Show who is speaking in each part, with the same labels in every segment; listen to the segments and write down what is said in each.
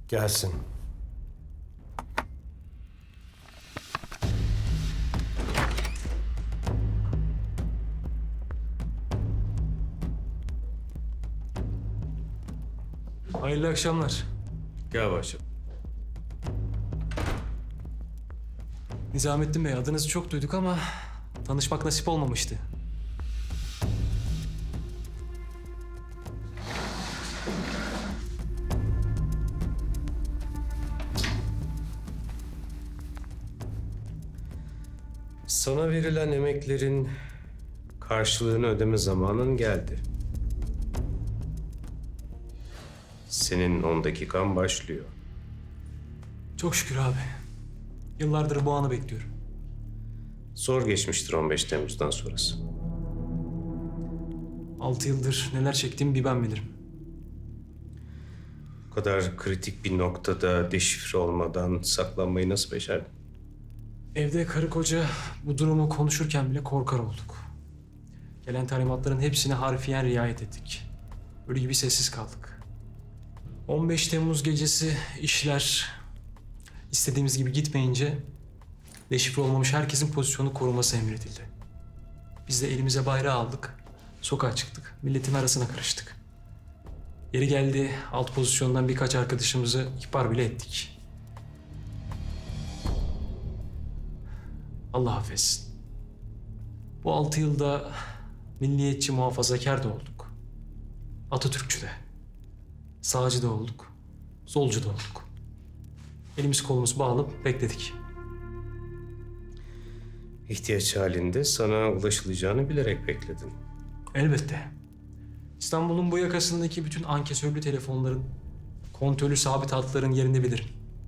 Speaker 1: Gelsin.
Speaker 2: Hayırlı akşamlar.
Speaker 1: Gel başım.
Speaker 2: Nizamettin Bey, adınızı çok duyduk ama tanışmak nasip olmamıştı.
Speaker 1: Sana verilen emeklerin karşılığını ödeme zamanın geldi. Senin 10 dakikan başlıyor.
Speaker 2: Çok şükür abi. Yıllardır bu anı bekliyorum.
Speaker 1: Zor geçmiştir 15 Temmuz'dan sonrası.
Speaker 2: 6 yıldır neler çektiğimi bir ben bilirim.
Speaker 1: Bu kadar kritik bir noktada deşifre olmadan saklanmayı nasıl becerdin?
Speaker 2: Evde karı koca bu durumu konuşurken bile korkar olduk. Gelen talimatların hepsine harfiyen riayet ettik. Ölü gibi sessiz kaldık. 15 Temmuz gecesi işler istediğimiz gibi gitmeyince deşifre olmamış herkesin pozisyonu koruması emredildi. Biz de elimize bayrağı aldık, sokağa çıktık, milletin arasına karıştık. Yeri geldi alt pozisyondan birkaç arkadaşımızı ihbar bile ettik. Allah affetsin. Bu 6 yılda milliyetçi muhafazakar da olduk. Atatürkçü de. Sağcı da olduk. Solcu da olduk. Elimiz kolumuz bağlı bekledik.
Speaker 1: İhtiyaç halinde sana ulaşılacağını bilerek bekledin.
Speaker 2: Elbette. İstanbul'un bu yakasındaki bütün ankesörlü telefonların, kontrollü sabit hatların yerini bilirim.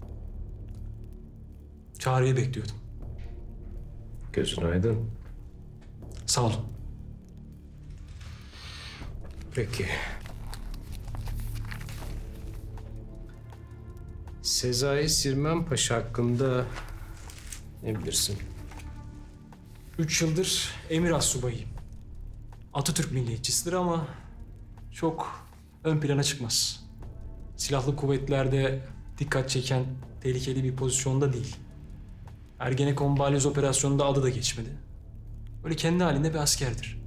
Speaker 2: Çağrı'yı bekliyordum.
Speaker 1: Gözün aydın.
Speaker 2: Sağ olun.
Speaker 1: Peki. Sezai Sirmen Paşa hakkında ne bilirsin?
Speaker 2: 3 yıldır emir astsubayıyım. Atatürk milliyetçisidir ama çok ön plana çıkmaz. Silahlı kuvvetlerde dikkat çeken tehlikeli bir pozisyonda değil. Ergenekon balyoz operasyonunda adı da geçmedi. Böyle kendi halinde bir askerdir.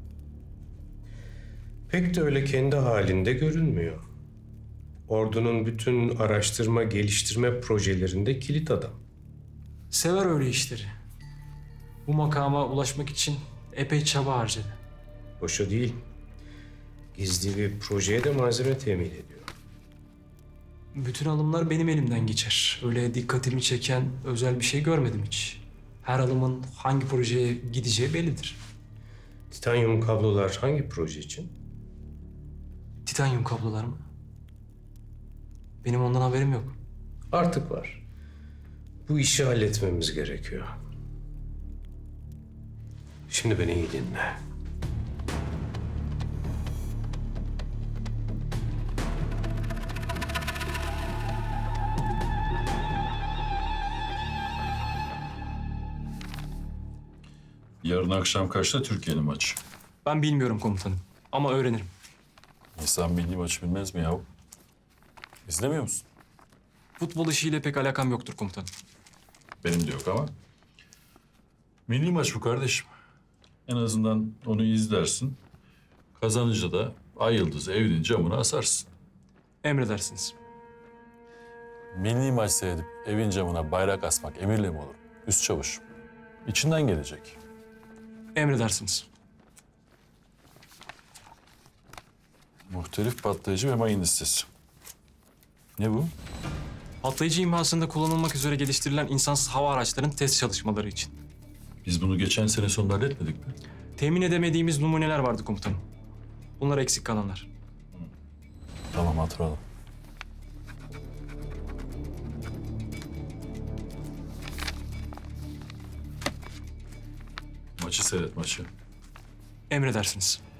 Speaker 1: Pek de öyle kendi halinde görünmüyor. Ordunun bütün araştırma, geliştirme projelerinde kilit adam.
Speaker 2: Sever öyle işleri. Bu makama ulaşmak için epey çaba harcadı.
Speaker 1: Boşa değil. Gizli bir projeye de malzeme temin ediyor.
Speaker 2: Bütün alımlar benim elimden geçer. Öyle dikkatimi çeken özel bir şey görmedim hiç. Her alımın hangi projeye gideceği bellidir.
Speaker 1: Titanyum kablolar hangi proje için?
Speaker 2: Titanyum kablolar mı? Benim ondan haberim yok.
Speaker 1: Artık var. Bu işi halletmemiz gerekiyor. Şimdi beni iyi dinle.
Speaker 3: Yarın akşam kaçta Türkiye'nin maçı?
Speaker 2: Ben bilmiyorum komutanım ama öğrenirim.
Speaker 3: İnsan milli maçı bilmez mi yahu? İzlemiyor musun?
Speaker 2: Futbol işiyle pek alakam yoktur komutanım.
Speaker 3: Benim de yok ama. Milli maç bu kardeşim. En azından onu izlersin. Kazanınca da ay yıldızı evinin camına asarsın.
Speaker 2: Emredersiniz.
Speaker 3: Milli maç seyredip evin camına bayrak asmak emirle mi olur? Üst çavuş. İçinden gelecek.
Speaker 2: Emredersiniz.
Speaker 3: Muhtelif patlayıcı ve mayın listesi. Ne bu?
Speaker 2: Patlayıcı imhasında kullanılmak üzere geliştirilen insansız hava araçlarının test çalışmaları için.
Speaker 3: Biz bunu geçen sene sonunda halletmedik mi?
Speaker 2: Temin edemediğimiz numuneler vardı komutanım. Bunlar eksik kalanlar.
Speaker 3: Tamam, hatırladım. Maçı seyret, maçı.
Speaker 2: Emredersiniz.